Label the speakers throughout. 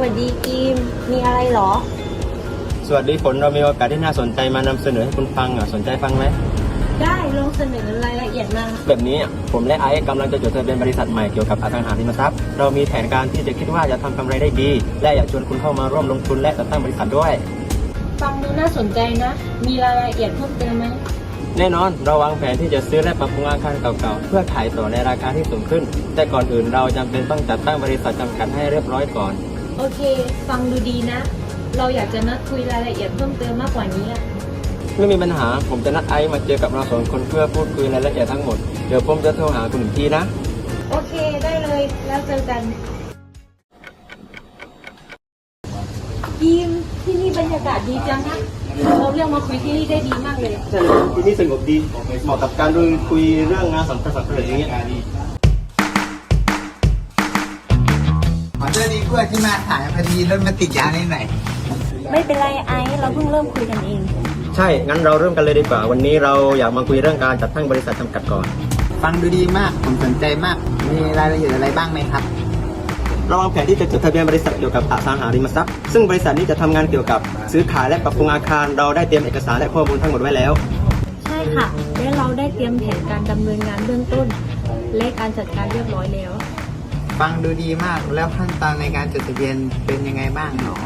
Speaker 1: วัสดีกิมมีอะไรเหรอ
Speaker 2: สวัสดีฝนเรามีโอกาสที่น่าสนใจมานำเสนอให้คุณฟังสนใจฟังไหม
Speaker 1: ได้ลองเสนอรายละเอียดมา
Speaker 2: แบบนี้ผมและไอซ์กำลังจะจดทะเบียนบริษัทใหม่เกี่ยวกับอสังหาริมทรัพย์เรามีแผนการที่จะคิดว่าจะทำกำไรได้ดีและอยากชวนคุณเข้ามาร่วมลงทุนและจัดตั้งบริษัทด้วย
Speaker 1: ฟังดูน่าสนใจนะมีรายละเอียดเพิ่มเติมไหม
Speaker 2: แน่นอนเราวางแผนที่จะซื้อและปรับปรุงอาคารเก่าๆเพื่อขายต่อในราคาที่สูงขึ้นแต่ก่อนอื่นเราจำเป็นต้องจัดตั้งบริษัทจำกัดให้เรียบร้อยก่อน
Speaker 1: โอเคฟังดูดีนะเราอยากจะนัดคุยรายละเอียดเพิ่มเติมมากกว่านี้อะ
Speaker 2: ไม่มีปัญหาผมจะนัดไอซ์มาเจอกับเราสองคนเพื่อพูดคุยรายละเอียดทั้งหมดเดี๋ยวผมจะโทรหาคุณอีกทีนะ
Speaker 1: โอเคได้เลยแล้วเจอกันกิมที่นี่บรรยากาศดีจังนะเราเรียกมาคุยที่นี่ได้ดีมากเลย
Speaker 2: ใช่เลยที่นี่สงบดีเหมาะกับการคุยเรื่องงานสำคัญอย่างเงี้ย
Speaker 3: ขอโทษดีกว่าที่มาถ่ายพอดีรถมาติดยางนิดหน่อย
Speaker 1: ไม่เป็นไรไอซ์เราเพิ่งเริ่มคุยกันเอง
Speaker 2: ใช่งั้นเราเริ่มกันเลยดีกว่าวันนี้เราอยากมาคุยเรื่องการจัดตั้งบริษัทจำกัดก่อน
Speaker 3: ฟังดูดีมากผมสนใจมากมีรายละเอียดอะไรบ้างไหมครับ
Speaker 2: เราวางแผนที่จะจดทะเบียนบริษัทเกี่ยวกับอสังหาริมทรัพย์ซึ่งบริษัทนี้จะทำงานเกี่ยวกับซื้อขายและปรับปรุงอาคารเราได้เตรียมเอกสารและข้อมูลทั้งหมดไว้แล้ว
Speaker 1: ใช่ค่ะและเราได้เตรียมแผนการดำเนินงานเบื้องต้นและการจัดการเรียบร้อยแล้ว
Speaker 3: ฟังดูดีมากแล้วขั้นตอนในการจดทะเบียนเป็นยังไงบ้างหนอ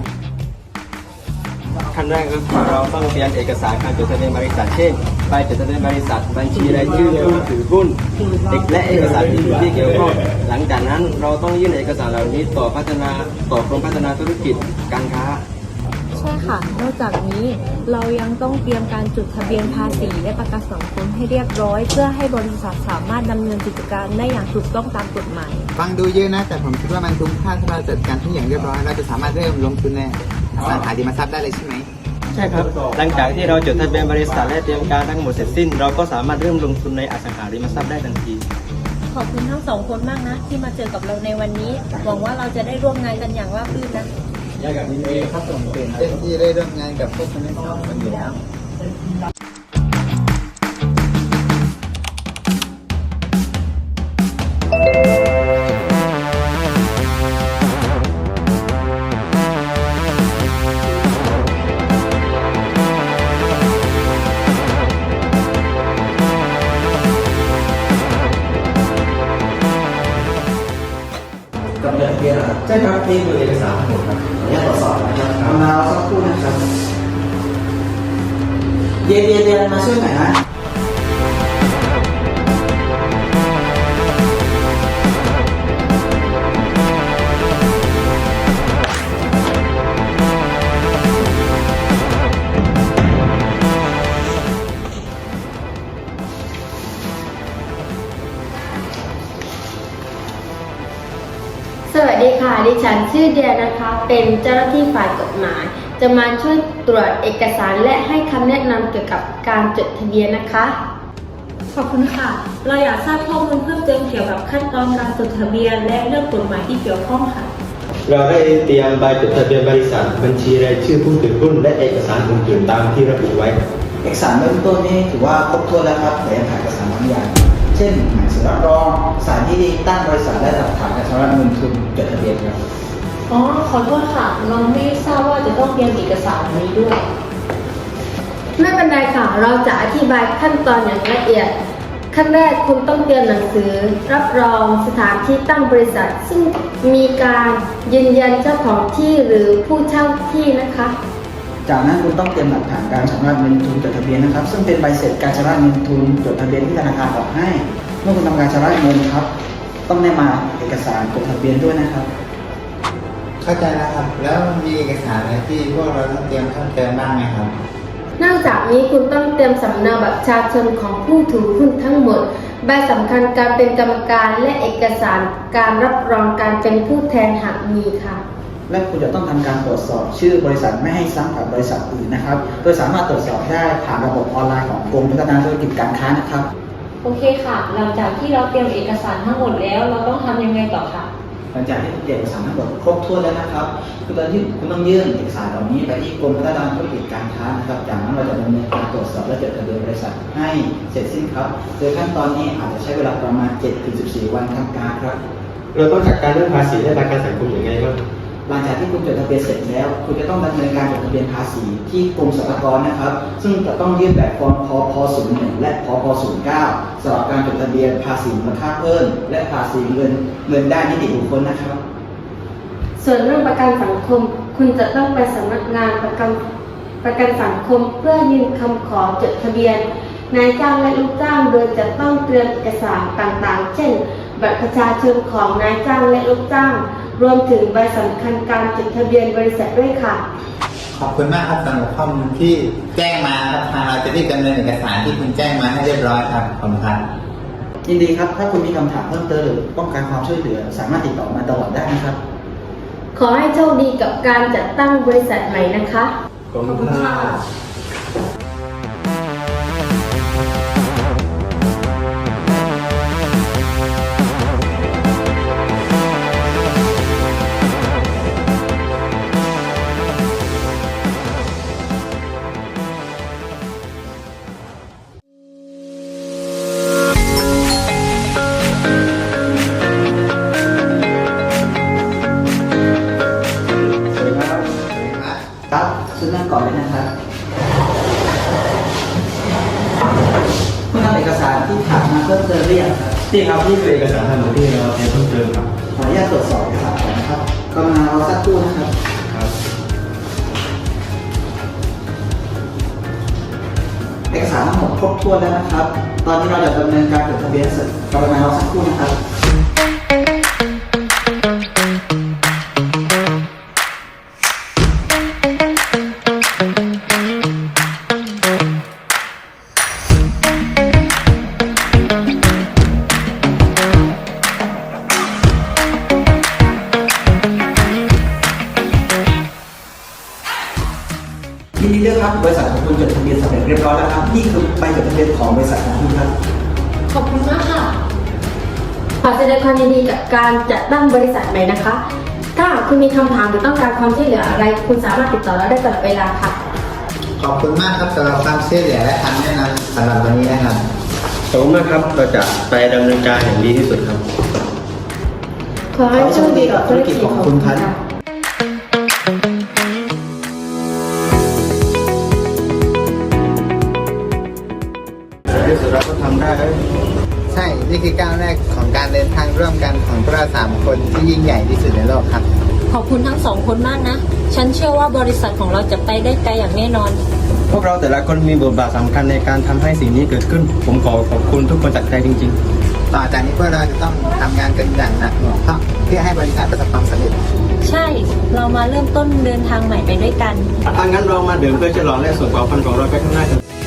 Speaker 2: ขั้นแรกก็คือเราต้องเตรียมเอกสารการจดทะเบียนบริษัทเช่นใบจดทะเบียนบริษัทบัญชีรายชื่อผู้ถือหุ้นและเอกสารอื่นที่เกี่ยวข้องหลังจากนั้นเราต้องยื่นเอกสารเหล่านี้ต่อกรมพัฒนาธุรกิจการค้า
Speaker 1: ใช่ค่ะนอกจากนี้เรายังต้องเตรียมการจดทะเบียนภาษีและประกันสังคมให้เรียบร้อยเพื่อให้บริษัทสามารถดำเนินกิจการได้อย่างถูกต้องตามกฎหมาย
Speaker 3: ฟังดูเยอะนะแต่ผมคิดว่ามันคุ้มค่าถ้าเราจัดการทุกอย่างเรียบร้อยเราจะสามารถเริ่มลงทุนในอสังหาริมทรัพย์ได้เลยใช่ไหม
Speaker 2: ใช่ครับหลังจากที่เราจดทะเบียนบริษัทและเตรียมการทั้งหมดเสร็จสิ้นเราก็สามารถเริ่มลงทุนในอสังหาริมทรัพย์ได้ทันที
Speaker 1: ขอบคุณทั้งสองคนมากนะที่มาเจอกับเราในวันนี้หวังว่าเราจะได้ร่วมงานกันอย่างราบรื่นนะ
Speaker 3: อยากกับนี้ครับผมเป็นเต้นที่ได้ร่วมงานกับพวกคุณทั้งสองคนอยู่แล้ว
Speaker 2: ใช่ครับนี่คือเอกสารทั้งหมดครับขออนุญาตตรวจสอบนะครับ
Speaker 3: มาสักครู่นะครับเย็นมาช่วยหน่อยนะ
Speaker 4: สวัสดีค่ะดิฉันชื่อเดียนะคะเป็นเจ้าหน้าที่ฝ่ายกฎหมายจะมาช่วยตรวจเอกสารและให้คำแนะนำเกี่ยวกับการจดทะเบียนนะคะ
Speaker 1: ขอบคุณค่ะเราอยากทราบข้อมูลเพิ่มเติมเกี่ยวกับขั้นตอนการจดทะเบียนและเรื่องกฎหมายที่เกี่ยวข้องค่ะ
Speaker 2: เราได้เตรียมใบจดทะเบียนบริษัทบัญชีรายชื่อผู้ถือหุ้นและเอกสารอื่นๆตามที่ระบุไว้
Speaker 3: เอกสารเบื้องต้นนี้ถือว่าครบถ้วนแล้วครับแต่ยังขาดเอกสารบางอย่างเช่นหนังสือรับรองสถานที่ตั้งบริษัทและหลักฐานการชำระเงินทุนจดทะเบียนครับ
Speaker 1: อ๋อขอโทษค่ะเราไม่ทราบว่าจะต้องเตรียมเอกสารนี้ด้วย
Speaker 4: ไม่เป็นไรค่ะเราจะอธิบายขั้นตอนอย่างละเอียดขั้นแรกคุณต้องเตรียมหนังสือรับรองสถานที่ตั้งบริษัทซึ่งมีการยืนยันเจ้าของที่หรือผู้เช่าที่นะคะ
Speaker 3: จากนั้นคุณต้องเตรียมหลักฐานการชำระเงินทุนจดทะเบียนนะครับซึ่งเป็นใบเสร็จการชำระเงินทุนจดทะเบียนที่ธนาคารออกให้เมื่อคุณทำการชำระเงินครับต้องได้มาเอกสารจดทะเบียนด้วยนะครับเข้าใจแล้วครับแล้วมีเอกสารอะไรที่พวกเราต้องเตรียมเพิ่มเติมบ้างไหมครับ
Speaker 4: นอกจากนี้คุณต้องเตรียมสำเนาบัตรประชาชนของผู้ถือหุ้นทั้งหมดใบสำคัญการเป็นกรรมการและเอกสารการรับรองการเป็นผู้แทนหากมีค่ะ
Speaker 3: และคุณจะต้องทำการตรวจสอบชื่อบริษัทไม่ให้ซ้ำกับบริษัทอื่นนะครับโดยสามารถตรวจสอบได้ผ่านระบบออนไลน์ของกรมพัฒนาธุรกิจการค้านะครับ
Speaker 1: โอเคค่ะหลังจากที่เราเตรียมเอกสารทั้งหมดแล้วเราต้องทำยังไงต่อคะ
Speaker 3: หลังจากที่เอกสารทั้งหมดครบถ้วนแล้วนะครับคือตอนที่คุณต้องยื่นเอกสารเหล่านี้ไปที่กรมพัฒนาธุรกิจการค้านะครับจากนั้นเราจะดำเนินการตรวจสอบและจดทะเบียนบริษัทให้เสร็จสิ้นครับโดยขั้นตอนนี้อาจจะใช้เวลาประมาณ 7-14 วันทำการครับ
Speaker 2: เราต้องจัดการเรื่องภาษีและประกันสังคมอย่างไรบ้าง
Speaker 3: หลังจากที่คุณจดทะเบียนเสร็จแล้ว คุณจะต้องดำเนินการจดทะเบียนภาษีที่กรมสรรพากรนะครับ ซึ่งจะต้องยื่นแบบฟอร์มพพ01และพพ09สำหรับการจดทะเบียนภาษีมูลค่าเพิ่มและภาษีเงินได้นิติบุคคลนะครับ
Speaker 4: ส่วนเรื่องประกันสังคม คุณจะต้องไปสำนักงานประกันสังคมเพื่อยื่นคำขอจดทะเบียนนายจ้างและลูกจ้างโดยจะต้องเตรียมเอกสารต่างๆ เช่น บัตรประชาชนของนายจ้างและลูกจ้าง รวมถึงใบสำคัญการจดทะเบียนบริษัทด้วยค่ะ
Speaker 5: ขอบคุณมากครับสำหรับข้อมูลที่แจ้งมาครับทางเราจะรีบดำเนินเอกสารที่คุณแจ้งมาให้เรียบร้อยครับขอบคุณครับ
Speaker 3: ยินดีครับ ถ้าคุณมีคำถามเพิ่มเติมหรือต้องการความช่วยเหลือ สามารถติดต่อมาตลอดได้นะครับ
Speaker 4: ขอให้โชคดีกับการจัดตั้งบริษัทใหม่นะคะ
Speaker 2: ขอบคุณค่ะ สวัสดีครับ
Speaker 3: ครับซึ่งนั่งก่อนเลยนะครับคุณนำเอกสารที่ถามมาเพิ่มเติมหรือยังครับ
Speaker 2: นี่ครับนี่คือเอกสารทั้งหมดที่เราเตรียมเพิ่มเติมครับ
Speaker 3: ขออนุญาตตรวจสอบเอกสารก่อนนะครับกรุณารอสักครู่นะครับ
Speaker 2: ครับ
Speaker 3: เอกสารทั้งหมดครบถ้วนแล้วนะครับ ตอนนี้เราจะดำเนินการจดทะเบียนเสร็จกรุณารอสักครู่นะครับ ยินดีด้วยครับบริษัทของคุณจดทะเบียนสำเร็จเรียบร้อยแล้วครับนี่คือใบจดทะเบียนของบริษัทของคุณครับ
Speaker 4: ขอบคุณมากค่ะ ขอแสดงความยินดีกับการจัดตั้งบริษัทใหม่นะคะ ถ้าคุณมีคำถามหรือต้องการความช่วยเหลืออะไร คุณสามารถติดต่อเราได้ตลอดเวลาค่ะ
Speaker 5: ขอบคุณมากครับสำหรับความช่วยเหลือและคำแนะนำสำหรับวันนี้นะครับ
Speaker 2: ขอบคุณมากครับ เราจะไปดำเนินการอย่างดีที่สุดครับ
Speaker 4: ขอให้โชคดีกับธุรกิจของคุณค่ะ
Speaker 2: ที่สุดเราก็ทำได้แล้ว
Speaker 5: ใช่ นี่คือก้าวแรกของการเดินทางร่วมกันของพวกเรา3 คนที่ยิ่งใหญ่ที่สุดในโลกครับ
Speaker 1: ขอบคุณทั้งสองคนมากนะ ฉันเชื่อว่าบริษัทของเราจะไปได้ไกลอย่างแน่นอน
Speaker 2: พวกเราแต่ละคนมีบทบาทสำคัญในการทำให้สิ่งนี้เกิดขึ้น ผมขอขอบคุณทุกคนจากใจจริง
Speaker 5: ต่อจากนี้พวกเราจะต้องทำงานกันอย่างหนักหน่วงเพื่อให้บริษัทประสบความสำเร็จ
Speaker 1: ใช่ เรามาเริ่มต้นเดินทางใหม่ไปด้วยกัน
Speaker 2: ๆถ้างั้นเรามาดื่มเพื่อฉลองและส่งความฝันของเราไปข้างหน้ากัน